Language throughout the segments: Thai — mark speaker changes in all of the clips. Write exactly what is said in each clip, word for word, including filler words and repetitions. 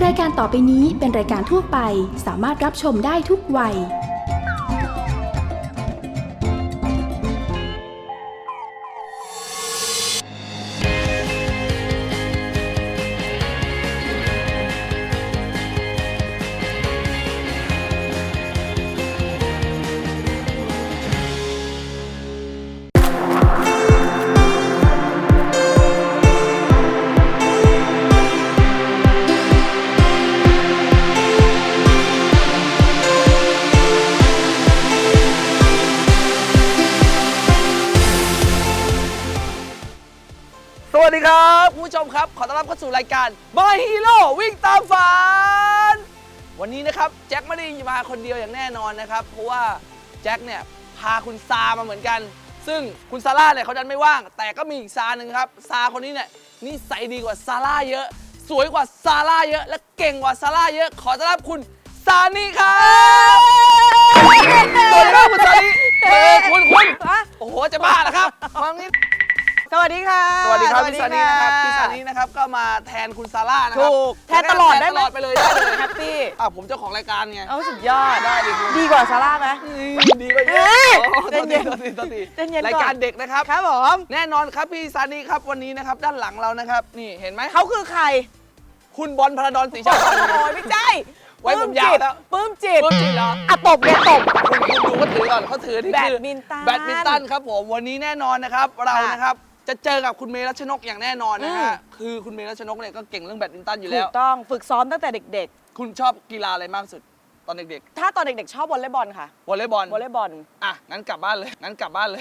Speaker 1: รายการต่อไปนี้เป็นรายการทั่วไปสามารถรับชมได้ทุกวัย
Speaker 2: สวัสดีครับคุณผู้ชมครับขอต้อนรับเข้าสู่รายการ My Hero วิ่งตามฝันวันนี้นะครับแจ็คไม่ได้มาคนเดียวอย่างแน่นอนนะครับเพราะว่าแจ็คเนี่ยพาคุณซามาเหมือนกันซึ่งคุณซาร่าเนี่ยเขาดันไม่ว่างแต่ก็มีอีกซาหนึ่งครับซาคนนี้เนี่ยนิสัยดีกว่าซาร่าเยอะสวยกว่าซาร่าเยอะและเก่งกว่าซาร่าเยอะขอต้อนรับคุณซานีครับสวัสดีครับคุณซานีเออคุณคุณโอ้โหจะบ้าเหรอครับมางี้
Speaker 3: สวัสดีค่ะ
Speaker 2: สวัสดีครับพี่ซานีนะครับพี่ซานีนะครับก็มาแทนคุณซาร่านะครับ
Speaker 3: ถูกแทนตลอดได้ไหม
Speaker 2: ตลอดไปเลยได้เลย
Speaker 3: แฮปปี้
Speaker 2: อ่ะผมเจ้าของรายการไง
Speaker 3: เอาสุดยอด
Speaker 2: ได้ดิคุณ
Speaker 3: ดีกว่าซาร่าไหม
Speaker 2: ดีไปเยอะ
Speaker 3: เฮ้ย
Speaker 2: โอ้
Speaker 3: ใจเย็น
Speaker 2: ตัวทีตัวที
Speaker 3: ใจเย็นก่อน
Speaker 2: รายการเด็กนะครับ
Speaker 3: ครับผม
Speaker 2: แน่นอนครับพี่ซานีครับวันนี้นะครับด้านหลังเรานะครับนี่เห็นไหม
Speaker 3: เขาคือใคร
Speaker 2: คุณบอลพระดอนศรีชา
Speaker 3: โอ้ยไม่ใช่
Speaker 2: ไว้ผมยาวแล้ว
Speaker 3: ปื้มจิต
Speaker 2: ปื้มจิตเหรอ
Speaker 3: อ่ะตบเนี่ยตบ
Speaker 2: คุณคุณดูเขาถือก่อนเขาถือนี่คือ
Speaker 3: แบดมินตัน
Speaker 2: แบดมินตันครับผมวันนี้แน่นอนนะครับเรา
Speaker 3: ค่ะ
Speaker 2: นะครับจะเจอกับคุณเมย์รัชนกอย่างแน่นอนนะ
Speaker 3: อื
Speaker 2: ฮะ
Speaker 3: ม
Speaker 2: คือคุณเมย์รัชนกเนี่ยก็เก่งเรื่องแบดมินตันอยู่
Speaker 3: ถู
Speaker 2: แล้ว
Speaker 3: กต้องฝึกซ้อมตั้งแต่เด็ก
Speaker 2: คุณชอบกีฬาอะไรมากสุดตอนเด็ก
Speaker 3: ๆ ถ้าตอนเด็กๆ ชอบวอลเลย์บอลค่ะ
Speaker 2: ๆวอลเลย์บอล
Speaker 3: วอลเลย์บอล
Speaker 2: อ่ะงั้นกลับบ้านเลยงั้นกลับบ้านเลย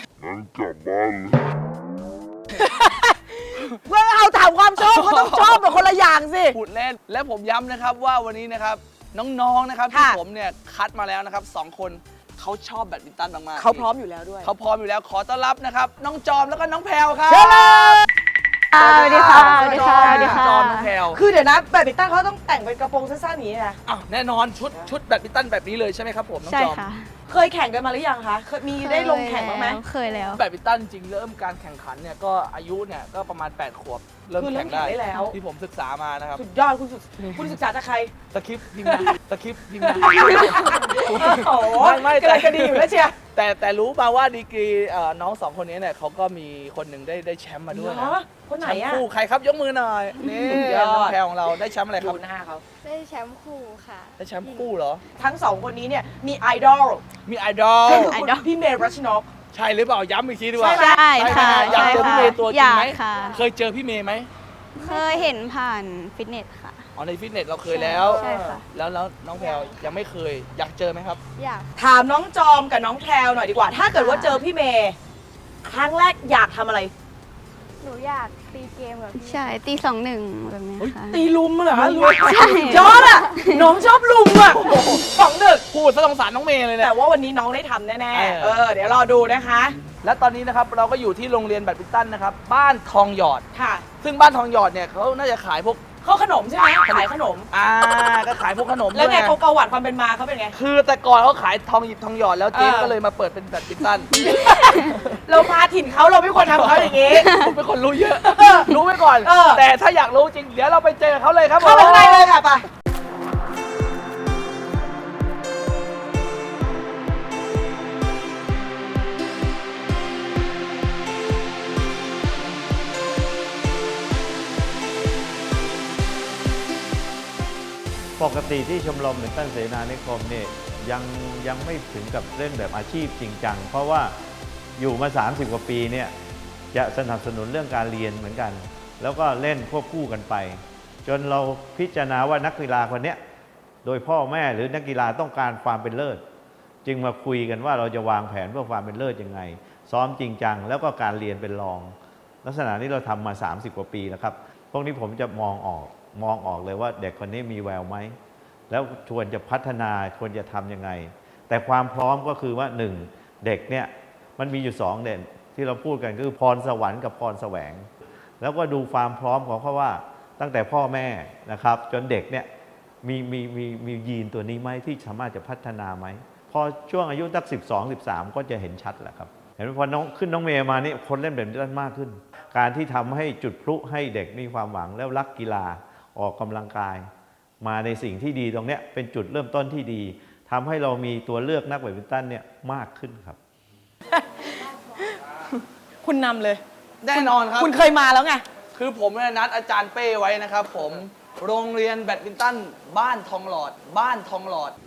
Speaker 3: เพื่อเอาถามความชอบเขาต้องชอบแบบคนละอย่างสิ
Speaker 2: พูดเล่นและผมย้ำนะครับว่าวันนี้นะครับน้องๆนะครับที่
Speaker 3: ค่ะ
Speaker 2: ผมเนี่ยคัดมาแล้วนะครับสองคนเขาชอบแบดมินตันมากๆ
Speaker 3: เขาพร้อมอยู่แล้วด้วย
Speaker 2: เขาพร้อมอยู่แล้วขอต้อนรับนะครับน้องจอมแล้วก็น้องแพรวครับ
Speaker 3: เชิญเลย
Speaker 4: สวัสดีค่ะ
Speaker 2: สวัสดีค่ะ
Speaker 4: สวัสดีค่ะ
Speaker 2: จอมน้องแพรว
Speaker 3: คือเดี๋ยวนะแบดมินตันเขาต้องแต่งเป็นกระโปรงสั้นๆอย่างนี้นะ
Speaker 2: อ้าวแน่นอนชุดชุดแบดมินตันแบบนี้เลยใช่ไหมครับผมน้อง
Speaker 4: ใช่
Speaker 2: จอม
Speaker 4: ค่ะ
Speaker 3: เคยแข่งกันมาหรือยังคะเคยมีได้ลงแข่งบ้างไหม
Speaker 4: เคยแล้ว
Speaker 2: แบดมินตันจริงเริ่มการแข่งขันเนี่ยก็อายุเนี่ยก็ประมาณแปดขวบเริ่ม
Speaker 3: คือเริ่
Speaker 2: แข่
Speaker 3: ม
Speaker 2: ง
Speaker 3: แข่ง
Speaker 2: ได้
Speaker 3: ได้แล้ว
Speaker 2: ที่ผมศึกษามานะครับ
Speaker 3: สุดยอดคุณศึกคุณศึกษาจากใคร
Speaker 2: ตะคริปต์พิมพ์นะตะคริปต์พิมพ์นะ
Speaker 3: โอ้โห
Speaker 2: ไม่ไม่
Speaker 3: กระไรกระดีอยู่แล้วเชียร์
Speaker 2: แต่แต่รู้มาว่าดีกรีเอ่อน้องสองคนนี้เนี่ยเขาก็มีคนหนึ่งได้ได้แชมป์มาด้วย
Speaker 3: เหร
Speaker 2: นะ
Speaker 3: อคนไหน
Speaker 2: แชมป์
Speaker 3: อะ
Speaker 2: คู่ใครครับยกมือหน่อยนี่
Speaker 3: สุดยอด
Speaker 2: น้องแพรของเราได้แชมป์อะไรค
Speaker 3: ดู
Speaker 2: รับ
Speaker 3: หน้าเขา
Speaker 4: ได้แชมป์คู่ค่ะ
Speaker 2: ได้แชมป์คู่เหรอ
Speaker 3: ทั้งสองคนนี้เนี่ยมีไอดอล
Speaker 2: มีไอดอล
Speaker 3: ก็คือ
Speaker 4: ไอ
Speaker 3: คุณ
Speaker 4: ดอล
Speaker 3: พี่เมย์รัชนก
Speaker 2: ใช่หรือเปล่าย้ำอีกทีดีกว่า
Speaker 3: ใช่ไหม
Speaker 4: ใช่ค่ะ
Speaker 2: อยากเจอพี่เมย์ตัวจริงไหม
Speaker 4: อยากค่ะ
Speaker 2: เคยเจอพี่เมย์ไหม
Speaker 4: เคยเห็นผ่านฟิตเนสค่ะ
Speaker 2: อ๋อในฟิตเนสเราเคยแล้ว
Speaker 4: ใช่ค่ะ
Speaker 2: แล้วแล้วน้องแพรยังไม่เคยอยากเจอไหมครับ
Speaker 4: อยาก
Speaker 3: ถามน้องจอมกับน้องแพรวหน่อยดีกว่า ถ้าเกิดว่าเจอพี่เมย์ครั้งแรกอยากทำอะไร
Speaker 4: หนูอยากตีเกมกับพี่ใช่ตีสองหนึ่งแบบนี้ค่ะ
Speaker 3: ตีลุมเหรอ
Speaker 4: ใช่
Speaker 3: ยอดอะน้องชอบลุมอะสองหนึ่ง
Speaker 2: พูดซะสงสารน้องเมย์เลยเนี่ย
Speaker 3: แต่ว่าวันนี้น้องได้ทำแน่
Speaker 2: เออ
Speaker 3: ๆเออเดี๋ยวรอดูนะคะ
Speaker 2: และตอนนี้นะครับเราก็อยู่ที่โรงเรียนแบดมินตันนะครับบ้านทองหยอด
Speaker 3: ค่ะ
Speaker 2: ซึ่งบ้านทองหยอดเนี่ยเขาน่าจะขายพวก
Speaker 3: เขาขนมใช่ไหมขายขนม
Speaker 2: อ่าก็ขายพวกขนม
Speaker 3: แล้วไง
Speaker 2: ด้วย
Speaker 3: เขาประวัติความเป็นมาเขาเป็นไง
Speaker 2: คือแต่ก่อนเขาขายทองหยิบทองหยอดแล้วเจ๊
Speaker 3: เออ
Speaker 2: ก็เลยมาเปิดเป็นแบดมินตัน
Speaker 3: เรามาถิ่นเขาเราไม่ควรทำเขาอย่างนี้
Speaker 2: ผมเป็นคนรู้เยอะ
Speaker 3: เออ
Speaker 2: รู้ไว้ก่อน
Speaker 3: เออ
Speaker 2: แต่ถ้าอยากรู้จริง เดี๋ยวเราไปเจอเขาเลยครับผม
Speaker 3: เข้าไปข้างในเลยค่ะไป
Speaker 5: ปกติที่ชมรมแบดมินตันเสนานิคมเนี่ยยังยังไม่ถึงกับเล่นแบบอาชีพจริงจังเพราะว่าอยู่มา สามสิบ กว่าปีเนี่ยจะสนับสนุนเรื่องการเรียนเหมือนกัน แล้วก็เล่นควบคู่กันไป จนเราพิจารณาว่านักกีฬาคนนี้โดยพ่อแม่หรือนักกีฬาต้องการความเป็นเลิศ จึงมาคุยกันว่าเราจะวางแผนเพื่อความเป็นเลิศยังไง ซ้อมจริงจังแล้วก็การเรียนเป็นรอง ลักษณะนี้เราทำมา สามสิบ กว่าปีแล้วครับพวกนี้ผมจะมองออกมองออกเลยว่าเด็กคนนี้มีแววไหมแล้วควรจะพัฒนาควรจะทำยังไง แต่ความพร้อมก็คือว่าหนึ่งเด็กเนี่ยมันมีอยู่สองเด่นที่เราพูดกันคือพรสวรรค์กับพรแสวง แล้วก็ดูความพร้อมของเขาว่าตั้งแต่พ่อแม่นะครับจนเด็กเนี่ยมีมีมีมียีนตัวนี้ไหมที่สามารถจะพัฒนาไหมพอช่วงอายุสักสิบสองสิบสามก็จะเห็นชัดแหละครับเห็นไหมพอน้องขึ้นน้องเมย์มานี่คนเล่นแบดมินตันมากขึ้น การที่ทำให้จุดพลุให้เด็กมีความหวังแล้วรักกีฬาออกกำลังกายมาในสิ่งที่ดีตรงเนี้ยเป็นจุดเริ่มต้นที่ดีทำให้เรามีตัวเลือกนักแบดมินตันเนี่ยมากขึ้นครับ
Speaker 3: คุณนำเลย
Speaker 2: แน่นอนครับ
Speaker 3: คุณเคยมาแล้วไง
Speaker 2: คือผมเนี่ยนัดอาจารย์เป้ไว้นะครับผมโรงเรียนแบดมินตันบ้านทองหลอด บ้านทองหลอด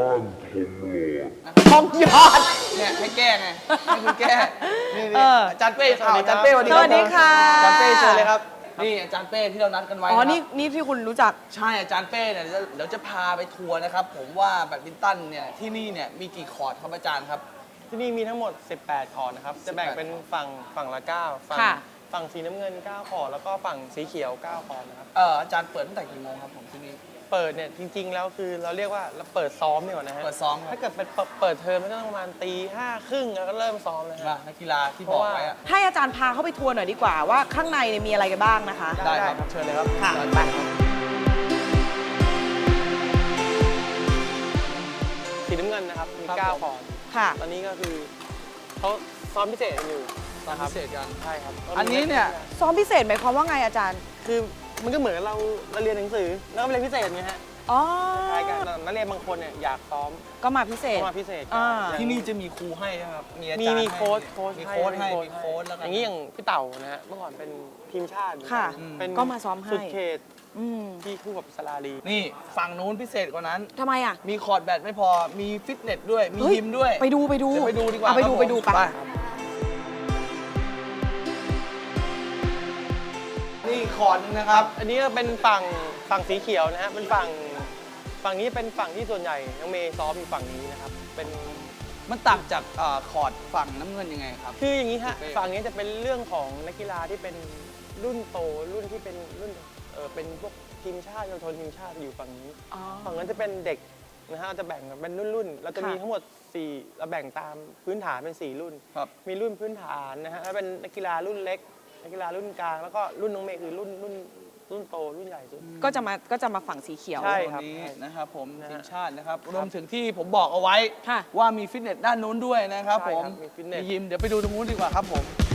Speaker 3: ทองหยอด
Speaker 2: เนี่ยให้แก้ไงให้คุณแก้นี่
Speaker 3: เอ
Speaker 2: นี่
Speaker 3: อ
Speaker 2: อาจารย์เป้ข่าวอาจารย์เป้สวัสดี
Speaker 3: ส
Speaker 2: ครับ
Speaker 3: วัสดีค่ะ
Speaker 2: อาจารย์เป้เชิญเลยครับนี่อาจารย์เป้ที่เรานัดกันไว้
Speaker 3: อ๋อ
Speaker 2: นะครับ
Speaker 3: นี่นี่ที่คุณรู้จัก
Speaker 2: ใช่อาจารย์เป้เนี่ยเดี๋ยวเดี๋ยวจะพาไปทัวร์นะครับผมว่าแบดมินตันเนี่ยที่นี่เนี่ยมีกี่คอร์ตครับอาจารย์ครับ
Speaker 6: ที่นี่มีทั้งหมด สิบแปด คอร์ดนะครับ จะแบ่งเป็นฝั่งฝั่งละ เก้า ฝั่ง
Speaker 3: ค่ะ
Speaker 6: ฝั่งสีน้ำเงิน เก้า คอร์ดแล้วก็ฝั่งสีเขียว เก้า คอร์ดนะครับ
Speaker 2: เอออาจารย์เปิดตั้งแต่กี่โมงครับผมที่นี่
Speaker 6: เปิดเนี่ยจริง ๆ แล้วคือเราเรียกว่าเราเปิดซ้อมดีกว่านะฮะ
Speaker 2: เปิดซ้อมครับ
Speaker 6: ถ้าเกิดเป็นเปิดเปิดเทอมมันก็ต้องประมาณตีห้าครึ่งแล้วก็เริ่มซ้อมเลย
Speaker 2: ว่า
Speaker 6: ฮะ
Speaker 2: นักกีฬาที่บอกไว้อะ
Speaker 3: ให้อาจารย์พาเข้าไปทัวร์หน่อยดีกว่าว่าข้างในเนี่ยมีอะไรกันบ้างนะคะ
Speaker 2: ได้ครับเชิญเลยครับ
Speaker 3: ค่ะ
Speaker 2: อาจารย์
Speaker 3: ไป
Speaker 6: สีน้ำเงินนะครับ มี เก้า คอร์ด
Speaker 3: ค่ะ
Speaker 6: ตอนนี้ก็คือเขาซ้อมพิเศษกันอยู่
Speaker 2: ตอน
Speaker 6: นะครับ
Speaker 2: พิเศษกัน
Speaker 6: ใช่ครับ
Speaker 2: อันนี้เนี่ย
Speaker 3: ซ้อมพิเศษหมายความว่าไงอาจารย์
Speaker 6: คือมันก็เหมือนเราเราเรียนหนังสือแล้วก็ไปเรียนพิเศษไงฮะ
Speaker 3: อ๋อ
Speaker 6: คล้ายกันแต่นักเรียนบางคนเนี่ยอยากซ้อม
Speaker 3: ก็มาพิเศษ
Speaker 6: ก็มาพิเศษกัน
Speaker 3: อ่า
Speaker 6: อย่าง
Speaker 2: ที่นี่จะมีครูให้นะครับมีอา
Speaker 6: มี
Speaker 2: จารย์
Speaker 6: มี
Speaker 2: ให้
Speaker 6: โค้ชโค้ช
Speaker 2: มีโค้ชให้
Speaker 6: ให้
Speaker 2: มีโค้ชแล้วกัน
Speaker 6: อย่างนี้อย่างพี่เต่านะฮะเมื่อก่อนเป็นทีมชาติ
Speaker 3: ค่ะ
Speaker 6: เป็น
Speaker 3: ก็มาซ้อมให้
Speaker 6: สุดเขต
Speaker 3: อืม
Speaker 6: ที่คู่กับสลาลี
Speaker 2: นี่ฝั่งนู้นพิเศษกว่านั้น
Speaker 3: ทำไมอ่ะ
Speaker 2: มีคอร์ดแบดไม่พอมีฟิตเนสด้วยมี
Speaker 3: เฮ้
Speaker 2: ยิมด้วย
Speaker 3: ไปดูไปดู
Speaker 2: เดี๋ยวไปดูดีกว่า
Speaker 3: เอไปดู
Speaker 2: ครับ
Speaker 3: ไปดู
Speaker 2: ผม
Speaker 3: ไป
Speaker 2: นี่คอร์ดนึงนะครับ
Speaker 6: อันนี้ก็เป็นฝั่งฝั่งสีเขียวนะฮะเป็นฝั่งฝั่งนี้เป็นฝั่งที่ส่วนใหญ่น้องเมย์ซ้อมอยู่ฝั่งนี้นะครับเป็น
Speaker 2: มันต่างจากเอ่อคอร์ดฝั่งน้ำเงินยังไงครับ
Speaker 6: คืออย่างนี้ฮะ
Speaker 2: โอเค
Speaker 6: ฝั่งนี้จะเป็นเรื่องของนักกีฬาที่เป็นรุ่นโตรุ่นที่เป็นรุ่นเออเป็นพวกทีมชาติเยาวชนทีมชาติอยู่ฝั่งนี้
Speaker 3: อ๋อ
Speaker 6: ฝั่งนั้นจะเป็นเด็กนะฮะเราจะแบ่งเป็นรุ่นๆเราจะมี
Speaker 3: ค่ะ
Speaker 6: ทั้งหมดสี่เราแบ่งตามพื้นฐานเป็นสี่รุ่น
Speaker 2: ครับ
Speaker 6: มีรุ่นพื้นฐานนะฮะแล้วเป็นนักกีฬารุ่นเล็ก นักกีฬารุ่นกลาง แล้วก็รุ่นน้องเมย์คือรุ่นรุ่นรุ่นโตรุ่นใหญ่สุด
Speaker 3: ก็จะมาก็จะมาฝั่งสีเขียว
Speaker 6: ใช่
Speaker 2: ตัวนี้นะครับผม
Speaker 6: นะฮะ
Speaker 2: ทีมชาตินะครับรวมถึงที่ผมบอกเอาไว้
Speaker 3: ค่ะ
Speaker 2: ว่ามีฟิตเนสด้านนู้นด้วยนะครับ
Speaker 6: ใช่
Speaker 2: ผ
Speaker 6: ครั
Speaker 2: ม
Speaker 6: บมีฟิตเนส
Speaker 2: มียิมเดี๋ยวไปดูตรงนู้นดีกว่าครับผม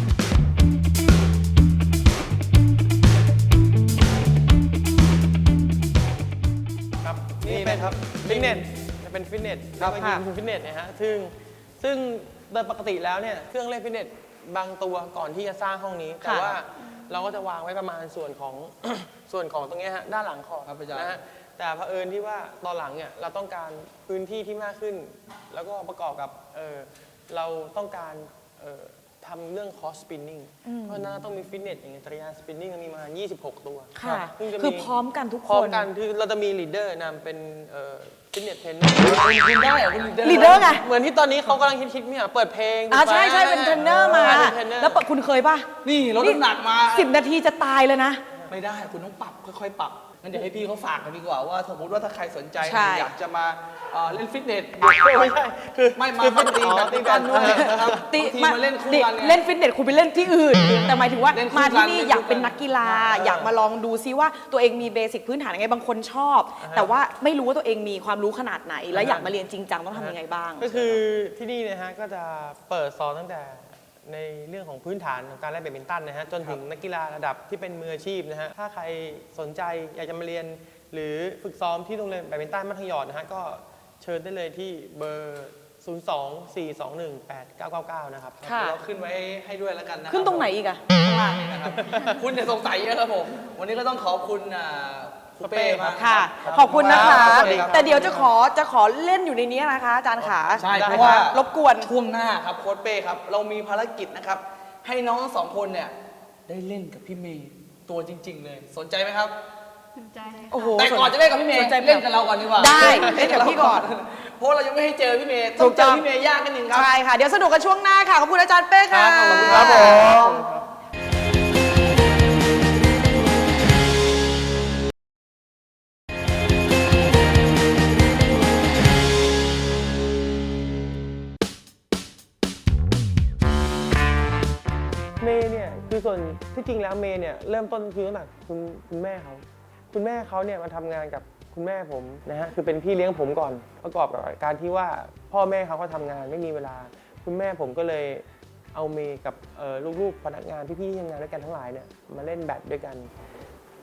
Speaker 6: ครับ
Speaker 2: นี่
Speaker 6: นี่เป็น
Speaker 2: นะครับ
Speaker 6: ฟิตเนสเป็นฟิตเนส
Speaker 2: ครับ
Speaker 6: แล้วก็ยิมคือฟิตเนสนะฮะซึ่งซึ่งโดยปกติแล้วเนี่ยเครื่องเล่นฟิตเนสบางตัวก่อนที่จะสร้างห้องนี้ แต่
Speaker 3: ค่ะ
Speaker 6: ว่าเราก็จะวางไว้ประมาณส่วนของ ส่วนของตรงเนี้ยฮะด้านหลังคอร์ต
Speaker 2: ครับอาจารย์
Speaker 6: นะฮะแต่เผอิญที่ว่าตอนหลังเนี่ยเราต้องการพื้นที่ที่มากขึ้น แล้วก็ประกอบกับเออเราต้องการเอ่อทำเรื่องคอร์สสปินนิ่งเพราะฉะนั้นต้องมีฟิตเนสอย่างเงี้ยจักรยานสปินนิ่งมีมายี่สิบหกตัว
Speaker 3: ค่ะ
Speaker 6: ซึ่งจะ
Speaker 3: คือพร้อมกันทุกคน
Speaker 6: พร้อมกันคือเราจะมีลีดเดอร์นำเป็นฟิตเนสเทรนเนอร์
Speaker 2: คุณได้เหรอคุณ
Speaker 3: ลีดเดอร์ไง
Speaker 6: เหมือนที่ตอนนี้เขากำลังคิดๆเนี่ยเปิดเพลง
Speaker 3: อ่าใช่ใช่เป็นเทรนเนอร์มา
Speaker 6: เป็นเทรนเนอร์
Speaker 3: แล้วปะคุณเคยป่ะ
Speaker 2: นี่ลดน้ำหนักมา
Speaker 3: สิบนาทีจะตายเลยนะ
Speaker 2: ไม่ได้คุณต้องปรับค่อยๆปรับงั้นเดี๋ยวให้พี่เขาฝากกันดีกว่าว่าสมมติว่าถ้าใครสนใจ
Speaker 3: ใช่
Speaker 2: อยากจะมาเอ่อเล่นฟิตเนส
Speaker 6: ไม่ใช่คือ
Speaker 2: ไม่มา
Speaker 6: คือ
Speaker 2: มาตีแบบตีกันนู่นนะครับ
Speaker 3: ติ
Speaker 2: บางทีมาเล่นคู่กันไง
Speaker 3: เล่นฟิตเนสคุณไปเล่นที่อื่น แต่หมายถึงว่า
Speaker 2: เล่นคู่
Speaker 3: มาที่นี่
Speaker 2: กัน
Speaker 3: อยากเป็น
Speaker 2: เล่นคู่กัน
Speaker 3: นักกีฬา
Speaker 2: เอออ
Speaker 3: อยากมาลองดูซิว่าตัวเองมีเบสิกพื้นฐานยังไงบางคนชอบ แต่ว่าไม่รู้ว่าตัวเองมีความรู้ขนาดไหน และอยากมาเรียนจริงจังต้องทำยังไงบ้าง
Speaker 6: ก็คือที่นี่นะฮะก็จะเปิดสอนตั้งแต่ในเรื่องของพื้นฐานของการเล่นแบดมินตันนะฮะจนถึงนักกีฬาระดับที่เป็นมืออาชีพนะฮะถ้าใครสนใจอยากจะมาเรียน หรือฝึกซ้อมที่โรงเรียนแบดมินตันมัธยมนะฮะก็เชิญได้เลยที่เบอร์ ศูนย์ สอง สี่ สอง หนึ่ง แปด เก้า เก้า เก้า นะครับ
Speaker 3: ค่ะ
Speaker 2: เราขึ้นไว้ให้ด้วยแล้วกันนะคบ
Speaker 3: ขึ้นตรงไหนอีกอะ
Speaker 2: ข้างล่างนี่นะครับ คุณจะสงสัยเยอะครับผม วันนี้ก็ต้องขอบคุณอ่าครูเป้มาก
Speaker 3: ค่ะ
Speaker 2: รับ
Speaker 3: ขอบคุณนะคะ
Speaker 2: สวัสดีครับ
Speaker 3: แต่เดี๋ยวจะขอจะขอเล่นอยู่ในนี้นะคะอาจารย์ขา
Speaker 2: ใช่เพราะว่า
Speaker 3: รบกวน
Speaker 2: ช่วงหน้าครับโค้ชเป้ครับ เรามีภารกิจนะครับ ให้น้องทั้งสองคนเนี่ยได้เล่นกับพี่เมย์ตัวจริง ๆ เลย สนใจไหมครับ
Speaker 3: โอ้โห
Speaker 2: แต่ก่อนจะเล่นกับพี่เมย์
Speaker 3: สนใจ
Speaker 2: เล่นกับเราก่อนดีกว่า
Speaker 3: ได้เล่นกับพี่ก่อน
Speaker 2: เพราะเรายังไม่ให้เจอพี่เมย์
Speaker 3: ถู
Speaker 2: ต้อง
Speaker 3: ก
Speaker 2: เจ
Speaker 3: ต้
Speaker 2: อ
Speaker 3: อง
Speaker 2: พี่เมย์ยากกันหนึ่งครับ
Speaker 3: ใช่ค่ะ เดี๋ยวสนุกกันช่วงหน้าค่ะ ขอบคุณอาจารย์เป้ค่ะ
Speaker 2: ครับขอบคุณครับผม
Speaker 6: เมย์เนี่ยคือส่วนที่จริงแล้วเมย์เนี่ยเริ่มต้นคือตั้งแต่คุณคุณแม่เขาคุณแม่เขาเนี่ยมาทำงานกับคุณแม่ผมนะฮะคือเป็นพี่เลี้ยงผมก่อนประกอบกับการที่ว่าพ่อแม่เขาก็ทำงานไม่มีเวลา คุณแม่ผมก็เลยเอาเมย์กับเอ่อลูกๆพนักงานพี่ๆที่ทำงานด้วยกันทั้งหลายเนี่ยมาเล่นแบดด้วยกัน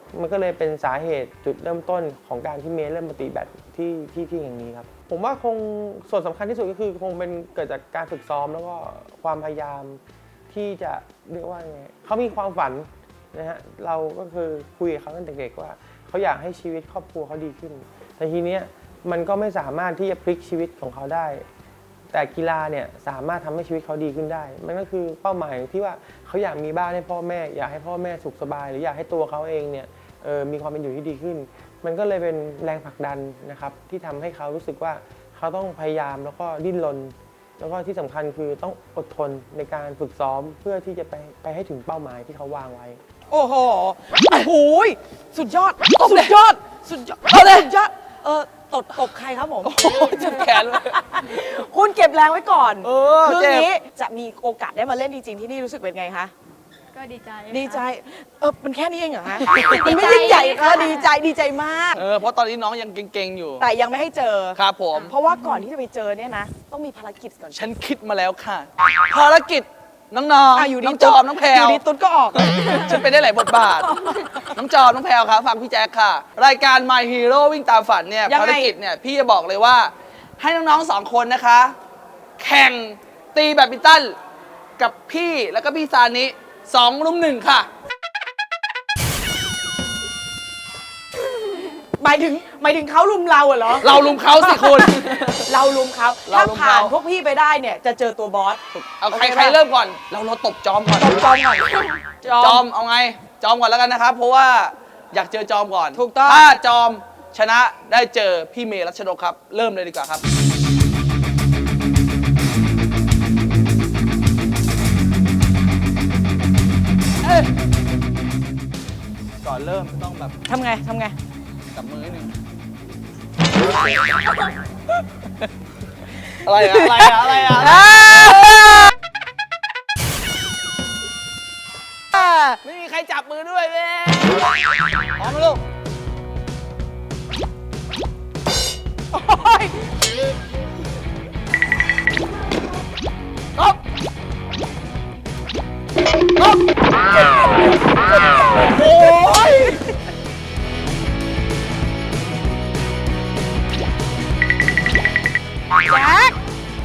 Speaker 6: มันก็เลยเป็นสาเหตุจุดเริ่มต้นของการที่เมย์เริ่มมาตีแบดที่ที่ที่แห่งนี้ครับผมว่าคงส่วนสำคัญที่สุดก็คือคงเป็นเกิดจากการฝึกซ้อมแล้วก็ความพยายามที่จะเรียกว่าไงเขามีความฝันนะฮะเราก็คือคุยกับเขาตั้งแต่เด็กว่าเขาอยากให้ชีวิตครอบครัวเขาดีขึ้นแต่ทีเนี้ยมันก็ไม่สามารถที่จะพลิกชีวิตของเขาได้แต่กีฬาเนี่ยสามารถทำให้ชีวิตเขาดีขึ้นได้มันก็คือเป้าหมายที่ว่าเขาอยากมีบ้านให้พ่อแม่อยากให้พ่อแม่สุขสบายหรืออยากให้ตัวเขาเองเนี่ยเออมีความเป็นอยู่ที่ดีขึ้นมันก็เลยเป็นแรงผลักดันนะครับที่ทำให้เขารู้สึกว่าเขาต้องพยายามแล้วก็ดิ้นรนแล้วก็ที่สำคัญคือต้องอดทนในการฝึกซ้อมเพื่อที่จะไปไปให้ถึงเป้าหมายที่เขาวางไว้
Speaker 3: โอ้โหโอ้โหสุดยอด
Speaker 2: ตบเลย
Speaker 3: สุดยอด สุดยอด
Speaker 2: เอาเลย
Speaker 3: สุดยอดเออตบตบใครครับผม
Speaker 2: โอ้โหเจ็บแขนเลย
Speaker 3: คุณเก็บแรงไว้ก่อน
Speaker 2: เออ
Speaker 3: คืน
Speaker 2: เจ็บ
Speaker 3: นี้จะมีโอกาสได้มาเล่นจริงๆที่นี่รู้สึกเป็นไงคะ
Speaker 4: ก็ดีใจ
Speaker 3: ดีใจ เออมันแค่นี้เองเหรอฮะ
Speaker 4: ดี
Speaker 3: มันไม่
Speaker 4: ใจ
Speaker 3: ยิ่งใหญ่เออ
Speaker 4: ค่ะ
Speaker 3: ดีใจดีใจมาก
Speaker 2: เออเพราะตอนนี้น้องยังเก่งๆอยู่
Speaker 3: แต่ยังไม่ให้เจอ
Speaker 2: ครับผม
Speaker 3: เพราะว่าก่อนที่จะไปเจอเนี่ยนะ ต้องมีภารกิจก่อน
Speaker 2: ฉันคิดมาแล้วค่ะ ภารกิจน้องๆ
Speaker 3: อ่ะอยู่ดี
Speaker 2: น้องจอมน้องแพร
Speaker 3: อยู่
Speaker 2: ว
Speaker 3: ดีตุ๊ดก็ออก
Speaker 2: ฉันเป็นได้หลายบทบาท น้องจอมน้องแพรวครับฟังพี่แจ๊คค่ะ รายการ My Hero วิ่งตามฝันเนี่ย
Speaker 3: ยังไง
Speaker 2: ภารกิจเนี่ยพี่จะบอกเลยว่า ให้น้องๆสองคนนะคะ แข่งตีแบดมินตันกับพี่แล้วก็พี่ซานิสองรุมหนึ่งค่ะ
Speaker 3: หมายถึงหมายถึงเขาลุมเราเหรอ
Speaker 2: เรารุมเขาสิคุณ
Speaker 3: เราลุมเขา
Speaker 2: เรา
Speaker 3: ถ้า
Speaker 2: รุม
Speaker 3: ผ่าน
Speaker 2: เขา
Speaker 3: พวกพี่ไปได้เนี่ยจะเจอตัวบอส
Speaker 2: เอาใคร
Speaker 3: โอเค
Speaker 2: ใคร
Speaker 3: ปะ
Speaker 2: เริ่มก่อน เราเราตบจอมก่อน
Speaker 3: ตบจอมก่อน
Speaker 2: จอมเอาไง จอมก่อนแล้วกันนะครับ เพราะว่าอยากเจอจอมก่อน
Speaker 3: ถูกต้อง
Speaker 2: ถ้าจอมชนะได้เจอพี่เมย์รัชนกครับ เริ่มเลยดีกว่าครับ ก่อนเริ่มต้องแบบ
Speaker 3: ทำไงทำไง
Speaker 2: จับมือนิดนึงอะไรอะอะไรอะอะไรอะอะไรอะไม่มีใครจับมือด้วยเว้ยพร้อมไหมลูก ครับครับโอ้ยแจ็ค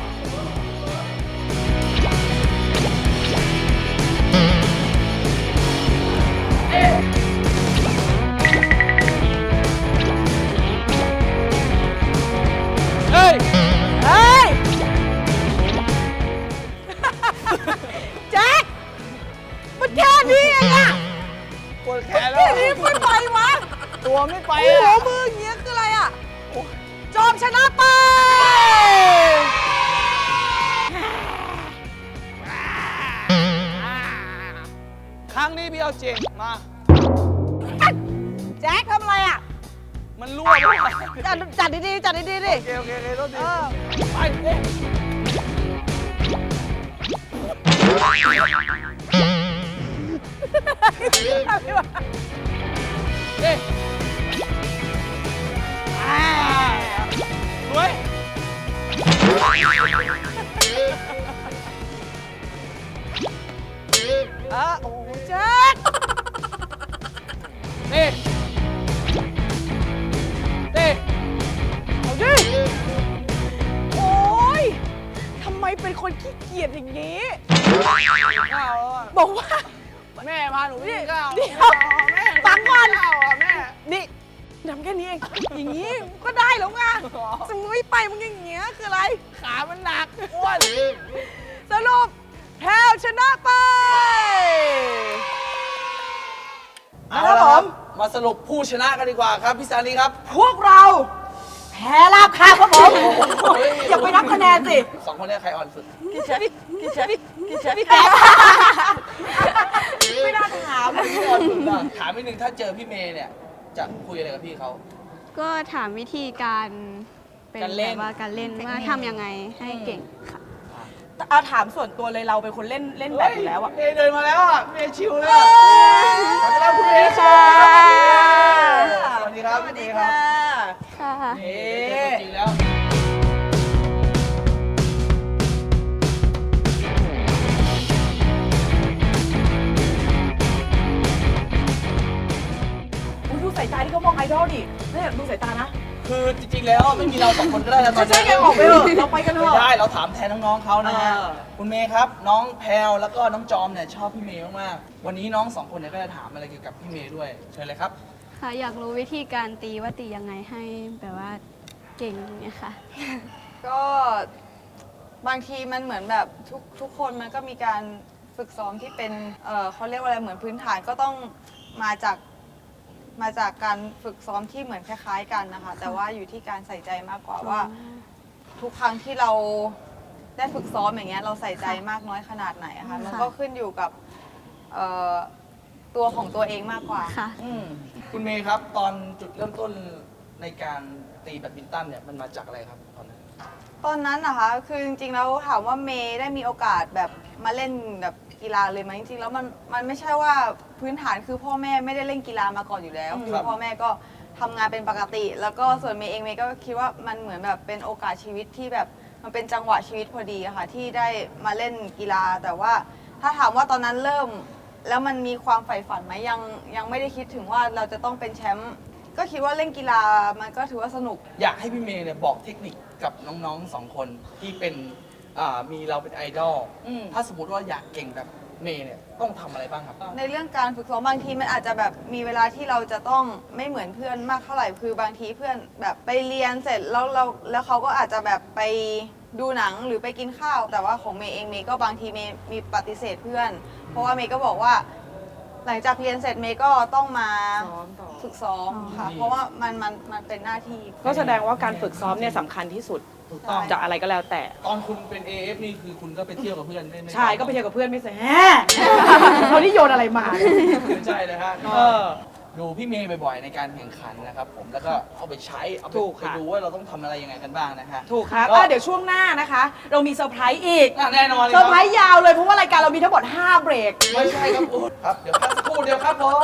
Speaker 2: เฮ้ย
Speaker 3: เฮ้ย แจ็คมันแค่นี้เองอะ
Speaker 2: ปวดแขนแล้
Speaker 3: แค่
Speaker 2: ว
Speaker 3: นี้ไม่ไปวะ
Speaker 2: ตัวไม่ไป
Speaker 3: โอ้โห
Speaker 2: อ่ะ
Speaker 3: มืออย่างเงี้ยคืออะไรอะจอมชนะไป
Speaker 2: ครั้งนี้พี่เอาจริงมา
Speaker 3: แจ็คทำอะไรอะ
Speaker 2: มันรั่วไปโอ
Speaker 3: จัดจัดดีๆจัดดีๆดิ
Speaker 2: เคโอเคโอเคโทษที
Speaker 3: เออ
Speaker 2: ไปเอ๊ะเอ๊ะอ่าสวย
Speaker 3: เออโอ้โหแจ็ค
Speaker 2: นี่นี่
Speaker 3: เอาดิโอ้ยทำไมเป็นคนขี้เกียจอย่างนี้
Speaker 2: ข้าวแล้วอะ
Speaker 3: บอกว่า
Speaker 2: แม่พาหนูไปกินข้าว
Speaker 3: เดี๋ยวฟังก่อน
Speaker 2: ข้าวอ่ะแม่
Speaker 3: นี่ทำแค่นี้เอง อย่างนี้ก็ได้แล้วไงจะมึงไม่ไปมึงอย่างเงี้ยคืออะไร
Speaker 2: ขามันหนักอ้วน
Speaker 3: สรุปแพรวชนะไป
Speaker 2: เอา
Speaker 3: ครั
Speaker 2: ละ
Speaker 3: บ
Speaker 2: ค
Speaker 3: ผ
Speaker 2: รับ
Speaker 3: ม
Speaker 2: มาสรุปผู้ชนะกันดีกว่าครับพี่ซานีครับ
Speaker 3: พวกเรา แพ้ราบคาบครับผม อย่าไปนับคะแนนสิ
Speaker 2: สองคนเนี้ใครอ่อนสุด
Speaker 3: กินเชฟกินเชฟกินเชฟไม่น่าถาม
Speaker 2: ถามนิดนึงถ้าเจอพี่เมย์เนี่ย จะคุยอะไรกับพี่เขา
Speaker 4: ก็ถามวิธีการเป็น
Speaker 2: การเล่น
Speaker 4: แบบว่าการเล่นว่าทำยังไงให้เก่งค่ะ
Speaker 3: เอาถามส่วนตัวเลยเราเป็นคนเล่นเล่นแบบอยู่แล้วอะ
Speaker 2: เมย์เดินมาแล้วอ่ะเมย์ชิวเลยอะขอต้อนรับคุณเมย์
Speaker 3: ค่ะ
Speaker 2: สวัสดีครับ
Speaker 3: สวัสดี
Speaker 2: พี่เมย์ครั
Speaker 3: ค่ะ
Speaker 2: บ
Speaker 4: ค่ะ
Speaker 2: เอ๊ะจริงแล้ว
Speaker 3: สายตาที่เขามองไอดอลดิเนี่ยดูสายตานะ
Speaker 2: คือจริงๆแล้วไม่มีเราสองคนก็ได้แล้วตอน
Speaker 3: ใช่
Speaker 2: นี้
Speaker 3: ไงออกไปเถอะเราไปกันเถ
Speaker 2: ไม่
Speaker 3: อะ
Speaker 2: ได้เราถามแทนน้องๆเขานะฮะ
Speaker 3: เออ
Speaker 2: คุณเมย์ครับน้องแพลวแล้วก็น้องจอมเนี่ยชอบพี่เมย์มากๆวันนี้น้องสองคนเนี่ยก็จะถามอะไรเกี่ยวกับพี่เมย์ด้วยเชิญเลยครับ
Speaker 4: ค่ะอยากรู้วิธีการตีว่าตียังไงให้แบบว่าเก่งเนี่ยค่ะ
Speaker 7: ก็บางทีมันเหมือนแบบทุกทุกคนมันก็มีการฝึกซ้อมที่เป็นเอ่อเขาเรียกว่าอะไรเหมือนพื้นฐานก็ต้องมาจากมาจากการฝึกซ้อมที่เหมือนคล้าย ๆ กันนะคะ แต่ว่าอยู่ที่การใส่ใจมากกว่าว่า ทุกครั้งที่เราได้ฝึกซ้อมอย่างเงี้ยเราใส่ใจมากน้อยขนาดไหนอะค่ะมันก็ขึ้นอยู่กับเอ่อตัวของตัวเองมากกว่า
Speaker 4: ค่ะ
Speaker 2: อืมคุณเมย์ครับตอนจุดเริ่มต้นในการตีแบดมินตันเนี่ยมันมาจากอะไรครับตอนนั้น
Speaker 7: ตอนนั้นนะคะ คือจริงๆ แล้วถามว่าเมย์ได้มีโอกาสแบบมาเล่นแบบกีฬาเลยไหมจริงๆ แล้วมันมันไม่ใช่ว่าพื้นฐานคือพ่อแม่ไม่ได้เล่นกีฬามาก่อนอยู่แล้ว คือพ่อแม่ก็ทำงานเป็นปกติ แล้วก็ส่วนเมย์เองเมย์ก็คิดว่ามันเหมือนแบบเป็นโอกาสชีวิตที่แบบมันเป็นจังหวะชีวิตพอดีอะค่ะที่ได้มาเล่นกีฬา แต่ว่าถ้าถามว่าตอนนั้นเริ่ม แล้วมันมีความใฝ่ฝันไหมยังยังไม่ได้คิดถึงว่าเราจะต้องเป็นแชมป์ก็คิดว่าเล่นกีฬามันก็ถือว่าสนุก
Speaker 2: อยากให้พี่เมย์เนี่ยบอกเทคนิคกับน้องๆสองคนที่เป็นอ่ามีเราเป็นไอดอล
Speaker 7: อืม
Speaker 2: ถ้าสมมติว่าอยากเก่งแบบเมย์เนี่ยต้องทำอะไรบ้างครับ
Speaker 7: ในเรื่องการฝึกซ้อมบางทีมันอาจจะแบบมีเวลาที่เราจะต้องไม่เหมือนเพื่อนมากเท่าไหร่คือบางทีเพื่อนแบบไปเรียนเสร็จแล้วเราแล้วเขาก็อาจจะแบบไปดูหนังหรือไปกินข้าว แต่ว่าของเมย์เองเมย์ก็บางทีเมย์มีปฏิเสธเพื่อน เพราะว่าเมย์ก็บอกว่า หลังจากเรียนเสร็จเมย์ก็ต้องมา
Speaker 3: ซ้อมต่อ
Speaker 7: ฝึกซ้อมค่ะ
Speaker 2: อืม
Speaker 7: เพราะว่ามันมันมันเป็นหน้าที่
Speaker 3: ก็แสดงว่าการฝึกซ้อมเนี่ยสำคัญที่สุด
Speaker 2: ถูกต้อง
Speaker 3: จะอะไรก็แล้วแต่
Speaker 2: ตอนคุณเป็น เอ เอฟ นี่คือคุณก็ไปเที่ยวกับเพื่อนไม่ม่
Speaker 3: ใช่ก็ไปเที่ยวกับเพื่อนไม่ใช่แฮะเขาที่โยนอะไรมา
Speaker 2: ไม่ใช่เลยฮะ
Speaker 3: เออ
Speaker 2: ดูพี่เมย์บ่อยๆในการแข่งขันนะครับผมแล้วก็เอาไปใช้เอาไป
Speaker 3: ถูก
Speaker 2: ไป
Speaker 3: ค่ะ
Speaker 2: ดูว่าเราต้องทำอะไรยังไงกันบ้างนะฮะ
Speaker 3: ถูกครับ
Speaker 2: ก็
Speaker 3: อ่ะเดี๋ยวช่วงหน้านะคะ เรามีเซอร์ไพรส์อีก
Speaker 2: อ่ะแน่นอนเลย
Speaker 3: เซ
Speaker 2: ค
Speaker 3: อ
Speaker 2: รั
Speaker 3: ร์ไพรส์ยาวเลยเพราะว่ารายการเรามีทั้งหมดห้าเบรก
Speaker 2: ไม่ใช่ครับคุณครับเดี๋ยวพักสักครู่เดียวครับผม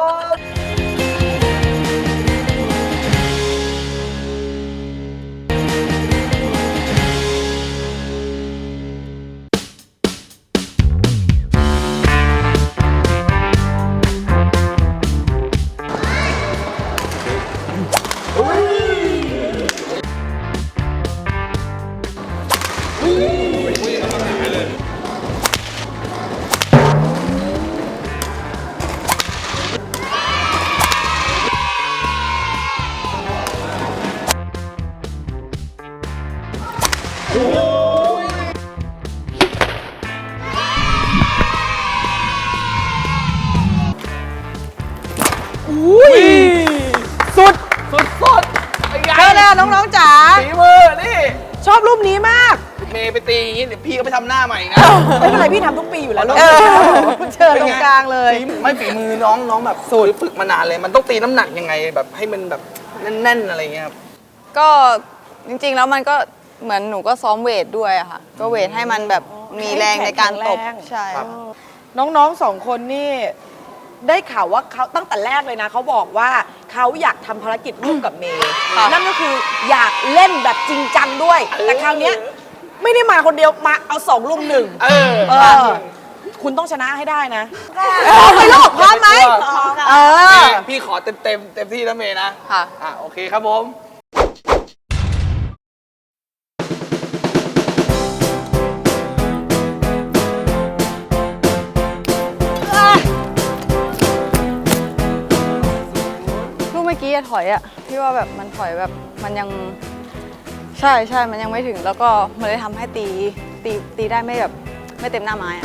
Speaker 3: สุด
Speaker 2: สุดๆเป็นไง
Speaker 3: เจอแล้วน้องๆจ๋า
Speaker 2: ฝีมือนี่
Speaker 3: ชอบรูปนี้มาก
Speaker 2: เมย์ไปตีอย่างนี้เดี๋ยวพี่ก็ไปทำหน้าใหม่นะ
Speaker 3: ไม่เป็นไรพี่ทำทุกปีอยู่แล้ว
Speaker 2: เออ
Speaker 3: เชิญตรงกลางเลย
Speaker 2: ฝีไม่ฝีมือน้องน้องแบบสูตรฝึกมานานเลย มันต้องตีน้ำหนักยังไงแบบให้มันแบบแน่นๆอะไรเงี้ยครับ
Speaker 7: ก็จริงๆ แล้วมันก็เหมือนหนูก็ซ้อมเวทด้วยอะค่ะ ก็เวทให้มันแบบมีแรงในการตบ
Speaker 3: แข็งแรง
Speaker 7: ใช่
Speaker 2: ครับ
Speaker 3: น้องๆสองคนนี่ได้ข่าวว่าเขาตั้งแต่แรกเลยนะเขาบอกว่าเขาอยากทำภารกิจร่วมกับเมย์
Speaker 7: ค่ะ
Speaker 3: นั่นก็คืออยากเล่นแบบจริงจังด้วย แต่คราวเนี้ยไม่ได้มาคนเดียวมาเอาสองลุมหนึ่ง
Speaker 2: เออ
Speaker 3: เออ คุณต้องชนะให้ได้นะ
Speaker 7: ไปโลกพร้อมไหม
Speaker 3: เออ
Speaker 2: พี่ขอเต็มเต็มๆเต็มที่นะเมย์นะ
Speaker 7: ค่ะ
Speaker 2: อ่ะโอเคครับผม
Speaker 7: ลูกเมื่อกี้อะถอยอะพี่ว่าแบบมันถอยแบบมันยังใช่ใช่มันยังไม่ถึง แล้วก็มันเลยทำให้ตีตีตีได้ไม่แบบไม่เต็มหน้าไม้อะ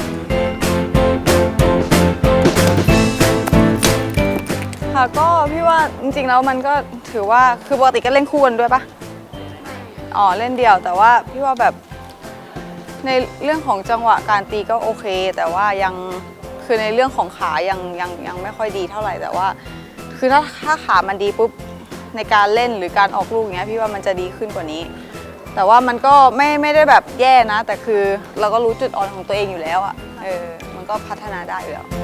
Speaker 7: ค่ะก็พี่ว่าจริงๆแล้วมันก็ถือว่าคือปกติก็เล่นคู่กันด้วยปะอ๋อเล่นเดี่ยว แต่ว่าพี่ว่าแบบในเรื่องของจังหวะการตีก็โอเค แต่ว่ายังคือในเรื่องของขายังยังยังไม่ค่อยดีเท่าไหร่แต่ว่า คือถ้าถ้าขามันดีปุ๊บในการเล่นหรือการออกลูกอย่างเงี้ยพี่ว่ามันจะดีขึ้นกว่านี้ แต่ว่ามันก็ไม่ไม่ได้แบบแย่นะ แต่คือเราก็รู้จุดอ่อนของตัวเองอยู่แล้วอ่ะเออมันก็พัฒนาได้อยู่แล้ว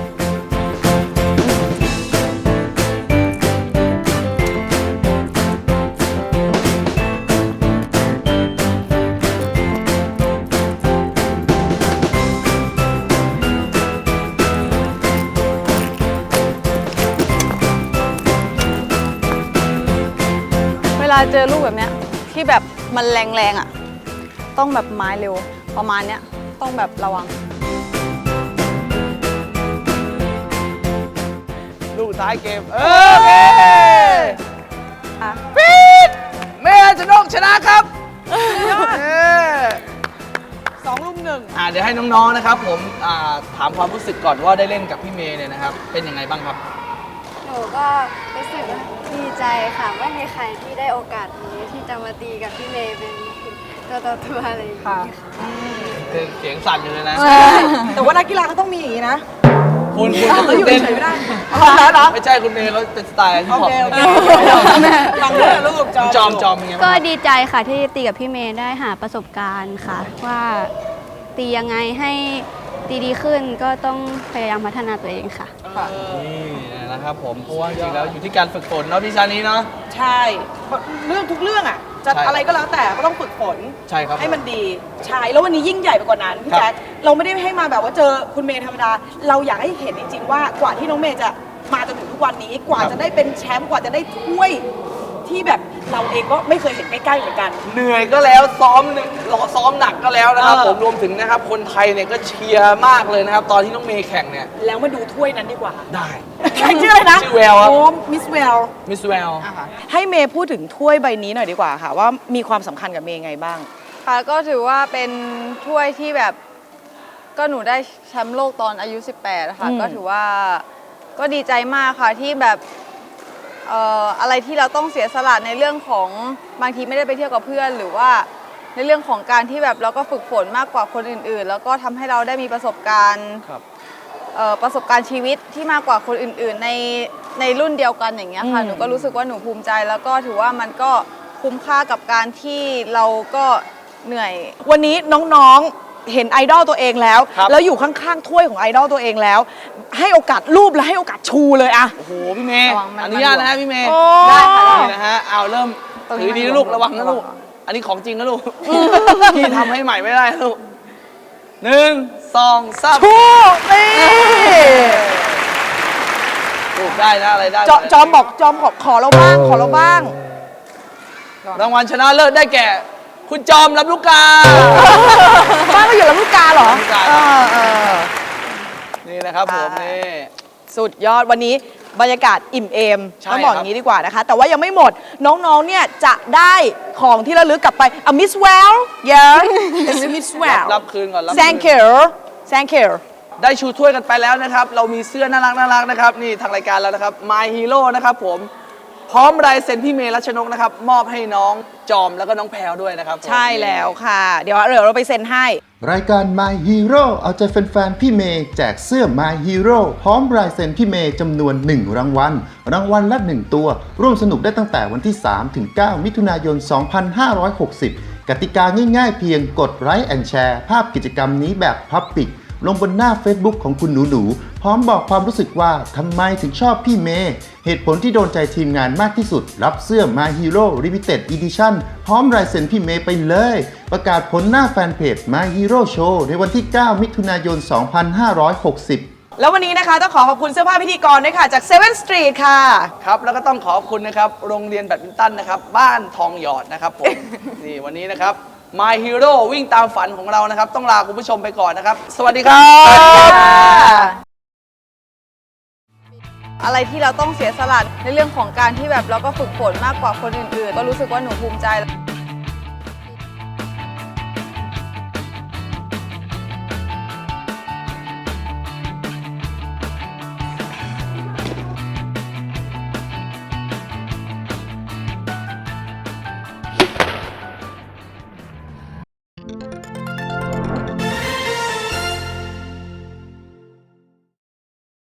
Speaker 7: ลาเจอลูกแบบเนี้ยที่แบบมันแรงๆอ่ะต้องแบบไม้เร็วประมาณเนี้ยต้องแบบระวัง
Speaker 2: ลูกท้ายเกมเออโอเค
Speaker 7: อ่ะ
Speaker 2: ปี๊ดเมย์รัชนกชนะครับเออ
Speaker 3: สองลุมหนึ่ง
Speaker 2: อ่าเดี๋ยวให้น้องๆนะครับผมอ่าถามความรู้สึกก่อนว่าได้เล่นกับพี่เมย์เนี่ยนะครับเป็นยังไงบ้างครับ
Speaker 4: หนูก็รู้สึกดีใจค่ะไม่มีใครที่ได้โอกาสนี้ที่จะมาตีกับพี่เมย์เป็นตัวต่อตัวอะไรอย่างนี้ค่ะ
Speaker 2: เสียงสั่นอยู่เลยนะ
Speaker 3: แต่ว่านักกีฬาเขาต้องมีอย่างนี้นะ
Speaker 2: คุณคุณจะ
Speaker 3: เขา
Speaker 2: ตื่
Speaker 3: อน ยู่
Speaker 2: เต้น
Speaker 3: เฉยๆไม่ได้เหรอ
Speaker 2: ไม่ใช่คุณเมย์เขาเป็นสไตล์ที่
Speaker 3: โอ
Speaker 2: พอป
Speaker 3: เคโอเคฟังด้วยลูกจอม
Speaker 2: จอมจอมเป็นไง
Speaker 4: ก็
Speaker 2: บ้างครับ
Speaker 4: ดีใจค่ะที่ตีกับพี่เมย์ได้หาประสบการณ์ค่ะ ว่าตียังไงให้ตีดีขึ้นก็ต้องพยายามพัฒนาตัวเองค่ะ
Speaker 2: นี่นะครับผมเพราะว่าจริงๆแล้วอยู่ที่การฝึกฝนเนาะพี่ชานี้เนาะ
Speaker 3: ใช่เรื่องทุกเรื่องอ่ะจะ
Speaker 2: ใช่
Speaker 3: อะไรก็แล้วแต่ก็ต้องฝึกฝน
Speaker 2: ใช่ครับ
Speaker 3: ให้มันดีใช่แล้ววันนี้ยิ่งใหญ่ไปกว่านั้นพี่
Speaker 2: ครับ
Speaker 3: แจ๊คเราไม่ได้ให้มาแบบว่าเจอคุณเมย์ธรรมดา เราอยากให้เห็นจริงๆว่ากว่าที่น้องเมย์จะมาจนถึงทุกวันนี้กว่าจะได้เป็นแชมป์กว่าจะได้ถ้วยที่แบบเราเองก็ไม่เคยเห็นใกล้ๆเหมือนกัน
Speaker 2: เหนื่อยก็แล้วซ้อมหนึ่งรอซ้อมหนักก็แล้วนะครับ
Speaker 3: เออ
Speaker 2: ผมรวมถึงนะครับคนไทยเนี่ยก็เชียร์มากเลยนะครับตอนที่น้องเมย์แข่งเนี่ย
Speaker 3: แล้วมาดูถ้วยนั้นดีกว่า
Speaker 2: ได้
Speaker 3: ใครชื่ออะไรนะ
Speaker 2: ชื่อแววครับ
Speaker 3: โอ้มิสแวล
Speaker 2: มิสแวล
Speaker 3: ให้เมย์พูดถึงถ้วยใบนี้หน่อยดีกว่าค่ะ ว่ามีความสำคัญกับเมย์ไงบ้าง
Speaker 7: ค่ะก็ถือว่าเป็นถ้วยที่แบบก็หนูได้แชมป์โลกตอนอายุ สิบแปดค่ะ
Speaker 3: อืม
Speaker 7: ก็ถือว่าก็ดีใจมากค่ะที่แบบเอ่ออะไรที่เราต้องเสียสละในเรื่องของบางทีไม่ได้ไปเที่ยวกับเพื่อน หรือว่าในเรื่องของการที่แบบเราก็ฝึกฝนมากกว่าคนอื่นๆ แล้วก็ทำให้เราได้มีประสบการณ์
Speaker 2: ครับ
Speaker 7: เอ่อประสบการณ์ชีวิตที่มากกว่าคนอื่นๆ ในในรุ่นเดียวกันอย่างเงี้ยค่ะ
Speaker 3: อืม
Speaker 7: หนูก็รู้สึกว่าหนูภูมิใจ แล้วก็ถือว่ามันก็คุ้มค่ากับการที่เราก็เหนื่อย
Speaker 3: วันนี้น้องๆ เห็นไอดอลตัวเองแล้ว
Speaker 2: ครับ
Speaker 3: แล้วอยู่ข้างๆ ถ้วยของไอดอลตัวเองแล้ว ให้โอกาสรูปและให้โอกาสชูเลยอะ
Speaker 2: โอ้โหพี่เมย์
Speaker 7: ระวังมัน
Speaker 2: อนุญาตนะฮะพี่เมย์
Speaker 3: โอ้
Speaker 7: ได้ค่ะ
Speaker 2: นี่นะฮะเอาเริ่ม
Speaker 7: ตรงนี้
Speaker 2: ถือดี
Speaker 7: มัน
Speaker 2: นะลูก
Speaker 7: ระ
Speaker 2: ระ
Speaker 7: วั
Speaker 2: วั
Speaker 7: ง
Speaker 2: งนะลูก
Speaker 7: ระวัง
Speaker 2: อันนี้ของจริงนะลูกพี่ทำให้ใหม่ไม่ได้นะลูกหนึ่งสองสาม
Speaker 3: ชูนี่
Speaker 2: ลูกได้นะอะไรได้
Speaker 3: จอจอมบอกจอมขอขอเราบ้างขอเราบ้าง
Speaker 2: รางวัลชนะเลิศได้แก่ คุณจอมรับลูกกา
Speaker 3: บ้านก็อยู่ลำลูกกาเหรอ
Speaker 2: ลำลูกกา
Speaker 3: เออเออ
Speaker 2: นี่นะครับผม
Speaker 3: ค่ะ
Speaker 2: นี่
Speaker 3: สุดยอดวันนี้บรรยากาศอิ่มเอม
Speaker 2: ใช่
Speaker 3: ต้องบอก
Speaker 2: ครับ
Speaker 3: อย่างนี้ดีกว่านะคะ แต่ว่ายังไม่หมดน้องๆเนี่ยจะได้ของที่ระลึกกลับไปอ่ะมิสแวล yeah it's miss
Speaker 2: รับ
Speaker 3: well
Speaker 2: รับคืนก่อนรับคืน
Speaker 3: thank you thank you
Speaker 2: ได้ชูถ้วยกันไปแล้วนะครับ เรามีเสื้อน่ารักน่ารักนะครับ นี่ทางรายการแล้วนะครับ My Hero นะครับผม พร้อมลายเซ็นพี่เมย์รัชนกนะครับ มอบให้น้องจอมแล้วก็น้องแพรวด้วยนะครับผม
Speaker 3: ใช่แล้วค่ะ เดี๋ยวเดี๋ยวเราไปเซ็นให้
Speaker 8: รายการ My Hero เอาใจแฟนๆพี่เมย์แจกเสื้อ My Hero พร้อมลายเซ็นพี่เมย์จำนวน หนึ่ง รางวัล รางวัลละ หนึ่ง ตัว ร่วมสนุกได้ตั้งแต่วันที่ สามถึงเก้า มิถุนายน สองพันห้าร้อยหกสิบ กติกาง่ายๆเพียงกดไลค์แอนแชร์ภาพกิจกรรมนี้แบบ Public ลงบนหน้า Facebook ของคุณหนูๆ พร้อมบอกความรู้สึกว่าทำไมถึงชอบพี่เมย์ เหตุผลที่โดนใจทีมงานมากที่สุด รับเสื้อ My Hero Limited Edition พร้อมลายเซ็นพี่เมย์ไปเลย ประกาศผลหน้าแฟนเพจ My Hero Show ในวันที่ เก้า มิถุนายน สองพันห้าร้อยหกสิบ
Speaker 3: แล้ววันนี้นะคะต้องขอขอบคุณเสื้อผ้าพิธีกรด้วยค่ะ จากเซเว่นสตรีทค่ะ
Speaker 2: ครับ แล้วก็ต้องขอบคุณนะครับ โรงเรียนแบดมินตันนะครับ บ้านทองหยอดนะครับผม นี่วันนี้นะครับ My Hero วิ่งตามฝันของเรานะครับ ต้องลาคุณผู้ชมไปก่อนนะครับ สวัสดีครับ
Speaker 7: อะไรที่เราต้องเสียสละในเรื่องของการที่แบบเราก็ฝึกฝนมากกว่าคนอื่นๆ ก็รู้สึกว่าหนูภูมิใจ